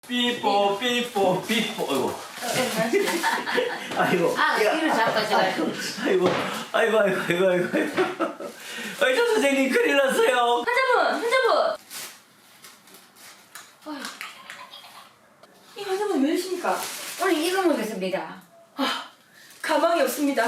삐뽀 삐뽀 삐뽀 아이고 아이고 이를 잡아가지고. 아이고 아이 저 선생님 큰일 났어요. 환자분! 이 환자분 왜 이러십니까? 오늘 이거 먹겠습니다. 가망이 없습니다.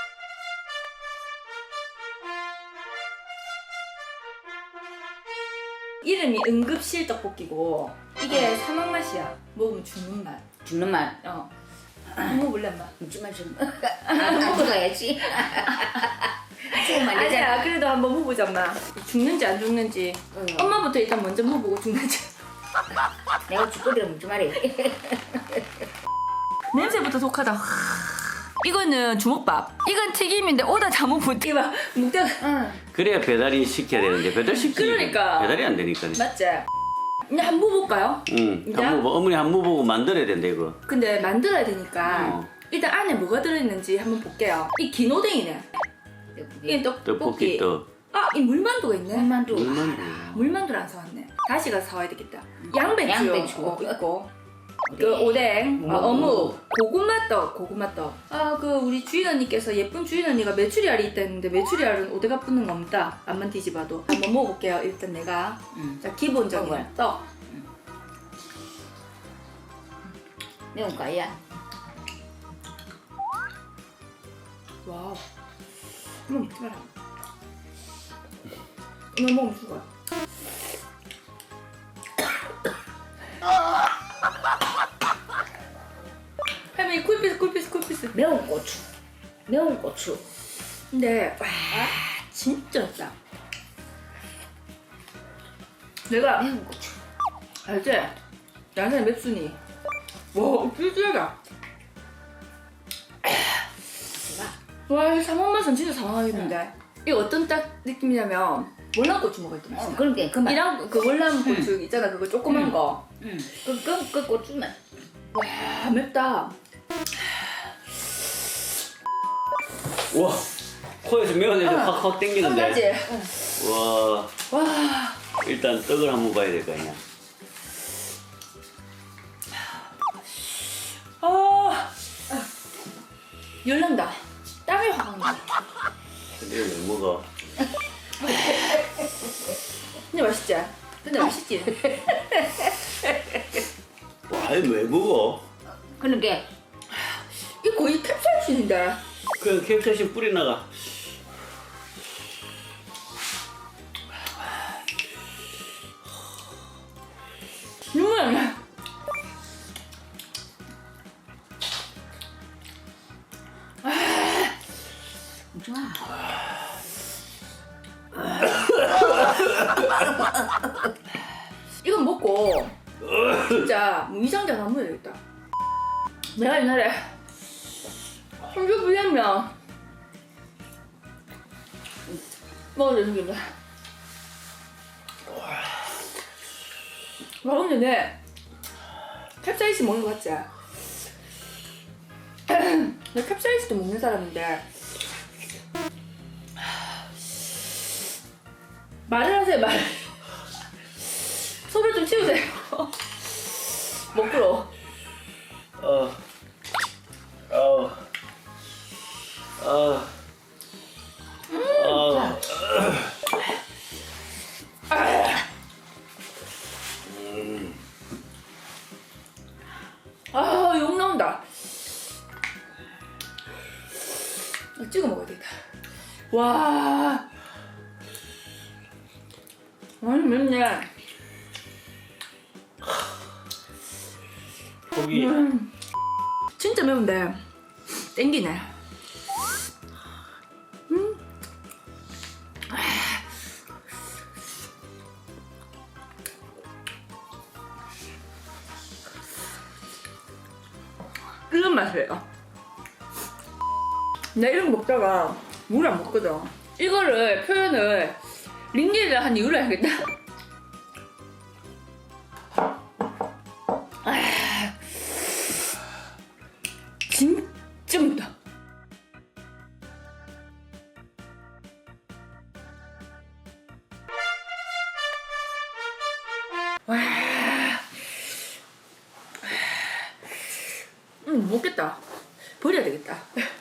이름이 응급실 떡볶이고 이게 사막 맛이야. 먹으면 죽는 맛. 죽는 맛. 한번 먹어볼래 엄마? 먹지만 좀. 안 먹어야지. 지금 안 되잖아. 아니야 그래도 한번 먹어보자 엄마. 죽는지 안 죽는지 엄마부터 일단 먼저 먹어보고 죽는지. 내가 죽거리를 먹지 말이. 냄새부터 독하다. 이거는 주먹밥. 이건 튀김인데 오다 잘못 붙이면 묵다가 응. 그래야 배달이 시켜야 되는데 배달 시키지 그러니까. 배달이 안 되니까. 맞지? 이제 한번 먹어볼까요? 응. 이제? 한번 어머니 한번 보고 만들어야 된다 이거. 근데 만들어야 되니까 일단 안에 뭐가 들어있는지 한번 볼게요. 이 긴오뎅이네. 이게 떡볶이 떡. 이 물만두가 있네. 물만두. 물만두를 안 사왔네. 다시 가서 사와야 되겠다. 양배추, 양배추. 있고 그 오뎅, 어묵, 고구마떡. 그 우리 주인 언니께서 예쁜 주인 언니가 메추리알이 있다 했는데 메추리알은 오대가 붙는 거 없다. 앞만 뒤집어도. 한번 먹어볼게요. 일단 내가. 자 기본적인 먹어요. 떡. 매운 거야. 와우. 한번 먹지 마라. 이거 먹으면 죽어요. 할머니 쿨피스. 매운 고추. 매운 고추. 근데 와 진짜 짜. 내가 매운 고추. 알지? 양산의 맵순이. 와 쫄쫄하다. 와 이 사막 맛은 진짜 사막이던데. 이거 어떤 딱 느낌이냐면 월남고추 먹을 때 맛이야. 그러니까 그 맛. 이랑 그 월남고추 있잖아 그거 조그만 거. 응. 그 고추만. 와 맵다. 와 코에서 매운 냄새 확 땡기는데. 깜짝이야. 와 와. 일단 떡을 한번 봐야 될 거 아니야. 열난다. 땀이 확 나. 근데 왜 먹어? 근데 맛있지? 와 이거 왜 먹어? 그러니까 이거 거의 캡사이신인데. 그냥 캡사이신 뿌리 나가. 눈물 나. 먹지 마. 이건 먹고 진짜 뭐 위장자 안 먹어야 되겠다. 내가 옛날에 성주 불량면 먹어야 되는데. 와 근데 내 캡사이신 먹는 거 같지? 내 캡사이신도 먹는 사람인데 말을 하세요 말. 소를 좀 치우세요. 먹으러. 어. 욕 나온다. 찍어 먹어야 되겠다. 와. 아니 맵네. 고기. 진짜 매운데 땡기네. 이런 맛이에요. 나 이런 거 먹다가 물 안 먹거든. 이거를 표현을 링기를 한 이유를 알겠다. 진짜 맵다. 와 못 먹겠다. 버려야 되겠다.